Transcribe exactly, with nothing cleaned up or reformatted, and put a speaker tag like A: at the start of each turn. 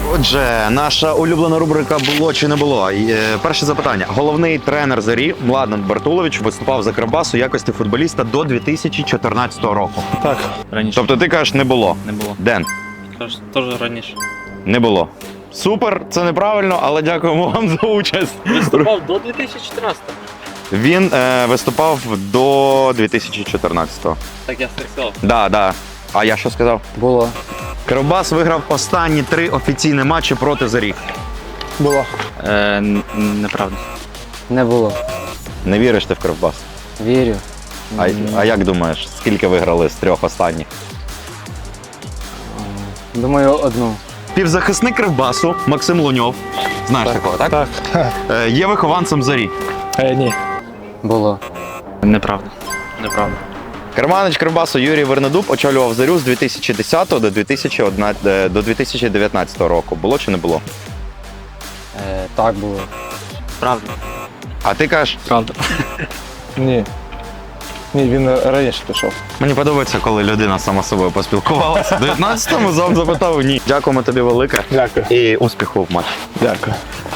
A: Отже, наша улюблена рубрика «Було чи не було?». І, е, перше запитання. Головний тренер «Зорі» Младен Бартулович виступав за Кривбас у якості футболіста до дві тисячі чотирнадцятого року.
B: Так.
C: Раніше.
A: Тобто ти кажеш, не було?
C: Не було.
A: Ден?
C: Теж, теж раніше.
A: Не було. Супер, це неправильно, але дякуємо вам за участь.
C: Виступав до дві тисячі чотирнадцятого.
A: Він е, виступав до дві тисячі чотирнадцятого.
C: Так я сказав.
A: Да, да. А я що сказав?
B: Було.
A: Кривбас виграв останні три офіційні матчі проти «Зорі».
B: Було.
C: Е, неправда.
B: Не було.
A: Не віриш ти в Кривбас?
B: Вірю.
A: А, а як думаєш, скільки виграли з трьох останніх?
B: Думаю, одну.
A: Півзахисник Кривбасу Максим Луньов. Знаєш такого, так?
B: Так.
A: Е, є вихованцем «Зорі».
B: Е, ні. Було.
C: Неправда. Неправда.
A: Керманич Кривбасу Юрій Вернедуб очолював «Зорю» з дві тисячі десятого до дві тисячі одинадцятого, до дві тисячі дев'ятнадцятого року. Було чи не було?
B: Е, так було.
C: Правда.
A: А ти кажеш,
C: Правда.
B: Ні. Ні, він раніше пішов.
A: мені подобається, коли людина сама з собою поспілкувалася. В дев'ятнадцятому зам запитав ні. Дякуємо тобі велике.
B: Дякую.
A: І успіху в матчі.
B: Дякую.